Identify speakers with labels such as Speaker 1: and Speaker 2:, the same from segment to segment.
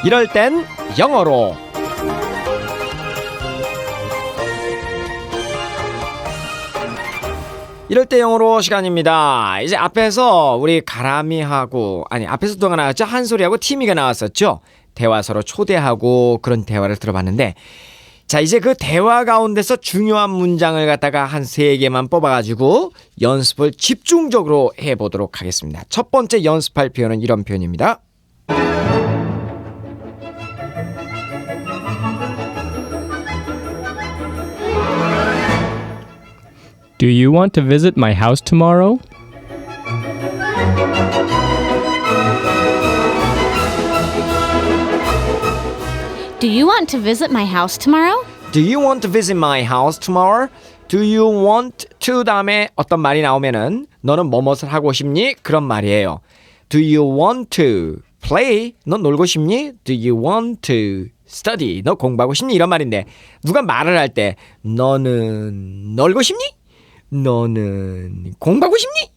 Speaker 1: 이럴 땐 영어로. 이럴 때 영어로 시간입니다. 이제 앞에서 우리 가람이하고 앞에서 누가 나왔죠? 한솔이하고 티미가 나왔었죠. 대화 서로 초대하고 그런 대화를 들어봤는데, 자 이제 그 대화 가운데서 중요한 문장을 갖다가 한 3개만 뽑아가지고 연습을 집중적으로 해보도록 하겠습니다. 첫 번째 연습할 표현은 이런 표현입니다.
Speaker 2: Do you want to visit my house tomorrow?
Speaker 3: Do you want to visit my house tomorrow?
Speaker 1: Do you want to visit my house tomorrow? Do you want to 다음에 어떤 말이 나오면은 너는 뭐뭇을 하고 싶니? 그런 말이에요. Do you want to play? 너 놀고 싶니? Do you want to study? 너 공부하고 싶니? 이런 말인데 누가 말을 할 때 너는 놀고 싶니? 너는 공부하고 싶니?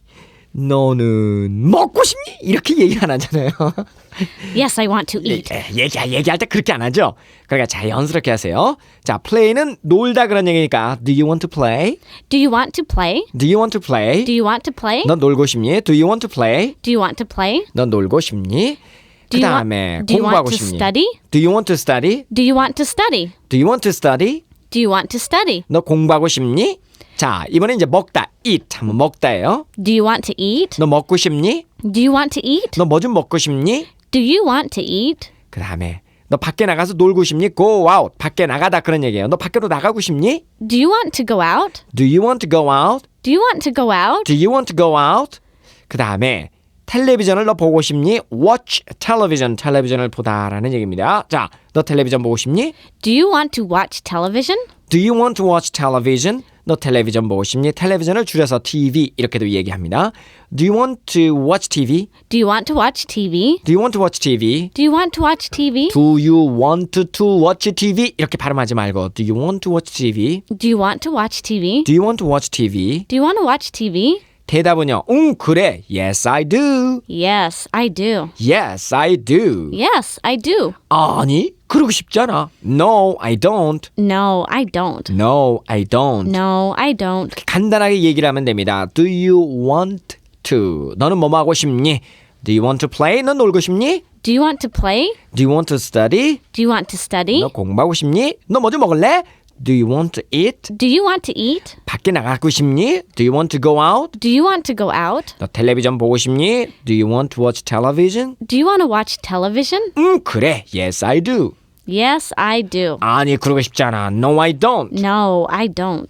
Speaker 1: 너는 먹고 싶니? 이렇게 얘기 안 하잖아요.
Speaker 3: Yes, I want to eat.
Speaker 1: 얘기할 때 그렇게 안 하죠. 그러니까 자연스럽게 하세요. 자, play는 놀다 그런 얘기니까 Do you want to play?
Speaker 3: Do you want to play?
Speaker 1: Do you want to play?
Speaker 3: Do you want to play?
Speaker 1: 넌 놀고 싶니? Do you want to play?
Speaker 3: Do you want to play?
Speaker 1: 넌 놀고 싶니? 그
Speaker 3: Do you
Speaker 1: 다음에
Speaker 3: do you want
Speaker 1: 공부하고
Speaker 3: to
Speaker 1: 싶니?
Speaker 3: study?
Speaker 1: Do you want to study?
Speaker 3: Do you want to study?
Speaker 1: Do you want to study?
Speaker 3: Do you want to study?
Speaker 1: 너 공부하고 싶니? 자, 이번엔 이제 먹다, eat. 한번 먹다예요.
Speaker 3: Do you want to eat?
Speaker 1: 너 먹고 싶니?
Speaker 3: Do you want to eat?
Speaker 1: 너 뭐 좀 먹고 싶니?
Speaker 3: Do you want to eat?
Speaker 1: 그 다음에 너 밖에 나가서 놀고 싶니? Go out. 밖에 나가다 그런 얘기예요. 너 밖으로 나가고 싶니?
Speaker 3: Do you want to go out?
Speaker 1: Do you want to go out?
Speaker 3: Do you want to go out?
Speaker 1: Do you want to go out? 그 다음에 텔레비전을 너 보고 싶니? Watch television. 텔레비전을 보다라는 얘기입니다. 자, 너 텔레비전 보고 싶니?
Speaker 3: Do you want to watch television?
Speaker 1: Do you want to watch television? 너 텔레비전 보고 싶니? 텔레비전을 줄여서 TV 이렇게도 얘기합니다. Do you want to watch TV?
Speaker 3: Do you want to watch TV?
Speaker 1: Do you want to watch TV?
Speaker 3: Do you want to watch TV?
Speaker 1: Do you want to watch TV? 이렇게 발음하지 말고 Do you want to watch TV?
Speaker 3: Do you want to watch TV?
Speaker 1: Do you want to watch TV?
Speaker 3: Do you want to watch TV?
Speaker 1: 대답은요. 그래. Yes, I do.
Speaker 3: Yes, I do.
Speaker 1: Yes, I do.
Speaker 3: Yes, I do.
Speaker 1: 아니, 그러고 싶지 않아. No, I don't.
Speaker 3: No, I don't.
Speaker 1: No, I don't.
Speaker 3: No, I don't.
Speaker 1: 간단하게 얘기를 하면 됩니다. Do you want to? 너는 뭐 하고 싶니? Do you want to play? 넌 놀고 싶니?
Speaker 3: Do you want to play?
Speaker 1: Do you want to study?
Speaker 3: Do you want to study?
Speaker 1: 너 공부하고 싶니? 너 뭐 좀 먹을래? Do you want to eat?
Speaker 3: Do you want to eat?
Speaker 1: 밖에 나가고 싶니? Do you want to go out?
Speaker 3: Do you want to go out?
Speaker 1: 너 텔레비전 보고 싶니? Do you want to watch television?
Speaker 3: Do you want to watch television?
Speaker 1: 그래. Yes, I do.
Speaker 3: Yes, I do.
Speaker 1: 아니, 그러고 싶지 않아. No, I don't.
Speaker 3: No, I don't.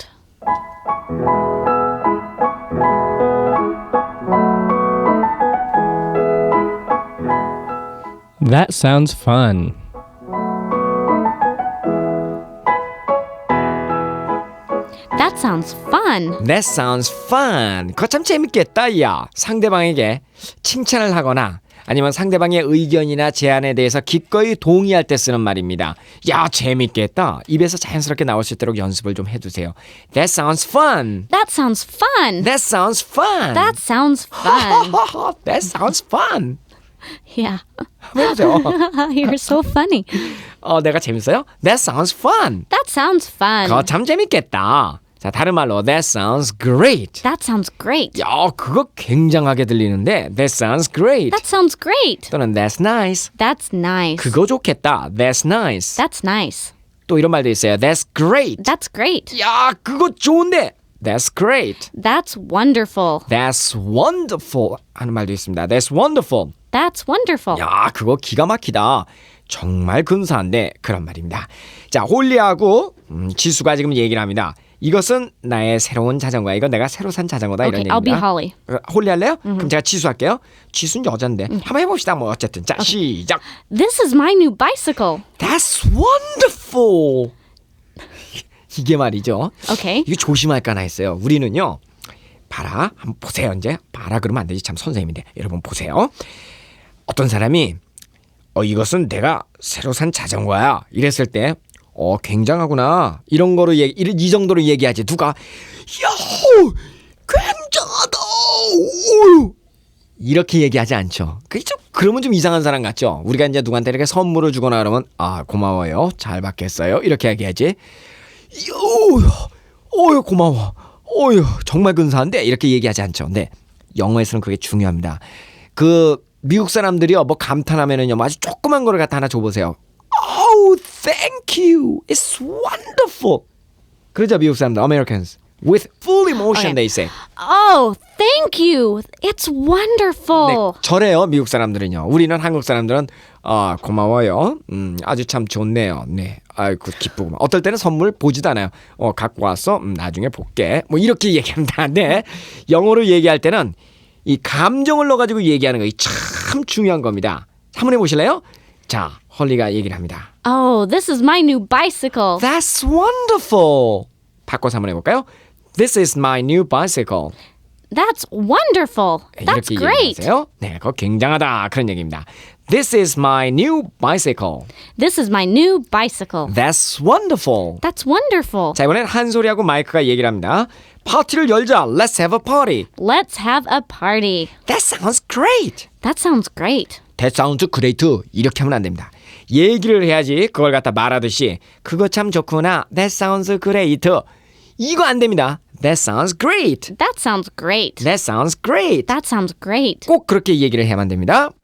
Speaker 2: That sounds fun.
Speaker 3: That sounds fun.
Speaker 1: That sounds fun. 그거 참 재밌겠다, 야. 상대방에게 칭찬을 하거나 아니면 상대방의 의견이나 제안에 대해서 기꺼이 동의할 때 쓰는 말입니다. 야, 재밌겠다. 입에서 자연스럽게 나올 수 있도록 연습을 좀 해두세요. That sounds fun.
Speaker 3: That sounds fun.
Speaker 1: That sounds fun.
Speaker 3: That sounds fun.
Speaker 1: That sounds fun.
Speaker 3: Yeah.
Speaker 1: 한번 해보세요.
Speaker 3: You're so funny.
Speaker 1: 내가 재밌어요? That sounds fun.
Speaker 3: That sounds fun.
Speaker 1: 그거 참 재밌겠다. 자, 다른 말로 That sounds great.
Speaker 3: That sounds great.
Speaker 1: 야, 그거 굉장하게 들리는데 That sounds great.
Speaker 3: That sounds great.
Speaker 1: 또는 That's nice.
Speaker 3: That's nice.
Speaker 1: 그거 좋겠다. That's nice.
Speaker 3: That's nice.
Speaker 1: 또 이런 말도 있어요. That's great.
Speaker 3: That's great.
Speaker 1: 야, 그거 좋은데. That's great.
Speaker 3: That's wonderful.
Speaker 1: That's wonderful. 하는 말도 있습니다. That's wonderful.
Speaker 3: That's wonderful.
Speaker 1: 야, 그거 기가 막히다. 정말 근사한데 그런 말입니다. 자, 홀리하고 지수가 지금 얘기를 합니다. 이것은 나의 새로운 자전거야. 이건 내가 새로 산 자전거다.
Speaker 3: Okay,
Speaker 1: 이런
Speaker 3: I'll be
Speaker 1: 얘기입니다.
Speaker 3: Holly.
Speaker 1: 홀리 할래요? 그럼 제가 지수 할게요. 지수는 여잔데. 한번 해봅시다. 뭐 어쨌든. 자, 시작.
Speaker 3: This is my new bicycle.
Speaker 1: That's wonderful. 이게 말이죠.
Speaker 3: Okay.
Speaker 1: 이거 조심할까 했어요. 우리는요. 봐라. 한번 보세요. 이제. 봐라 그러면 안 되지. 참 선생님인데. 여러분 보세요. 어떤 사람이 이것은 내가 새로 산 자전거야. 이랬을 때 굉장하구나. 이런 거로 이 정도로 얘기하지. 누가 야, 굉장하다. 이렇게 얘기하지 않죠. 그러면 좀 이상한 사람 같죠. 우리가 이제 누구한테 이렇게 선물을 주거나 그러면 아 고마워요, 잘 받겠어요 이렇게 얘기하지. 어유 고마워, 어유 정말 근사한데 이렇게 얘기하지 않죠. 근데 영어에서는 그게 중요합니다. 그 미국 사람들이요 뭐 감탄하면은요 뭐 아주 조그만 거를 갖다 하나 줘보세요. Oh, thank you, it's wonderful. 그러죠 미국 사람들, Americans. With full emotion,
Speaker 3: Okay.
Speaker 1: they say.
Speaker 3: Oh, thank you. It's
Speaker 1: 네,
Speaker 3: wonderful.
Speaker 1: 저래요 미국 사람들은요. 우리는 한국 사람들은 아 고마워요. 아주 참 좋네요. 네, 아이고 기쁘구만. 어떨 때는 선물 보지도 않아요. 갖고 왔어. 나중에 볼게. 뭐 이렇게 얘기합니다. 네, 영어로 얘기할 때는 이 감정을 넣어가지고 얘기하는 거 참 중요한 겁니다. 한번 해보실래요? 자, 헐리가 얘기를 합니다.
Speaker 3: Oh, this is my new bicycle.
Speaker 1: That's wonderful. 바꿔서 한번 해볼까요? This is my new bicycle.
Speaker 3: That's wonderful. That's
Speaker 1: 이렇게
Speaker 3: great.
Speaker 1: 얘기하세요. 네, 그거 굉장하다 그런 얘기입니다. This is my new bicycle.
Speaker 3: This is my new bicycle.
Speaker 1: That's wonderful.
Speaker 3: That's wonderful.
Speaker 1: 자, 이번엔 한소리하고 마이크가 얘기를 합니다. 파티를 열자. Let's have a party.
Speaker 3: Let's have a party.
Speaker 1: That sounds great.
Speaker 3: That sounds great.
Speaker 1: That sounds great. 이렇게 하면 안 됩니다. 얘기를 해야지 그걸 갖다 말하듯이 그거 참 좋구나. That sounds great. 이거 안 됩니다. That sounds great.
Speaker 3: That sounds great.
Speaker 1: That sounds great.
Speaker 3: That sounds great.
Speaker 1: 꼭 그렇게 얘기를 해야만 됩니다.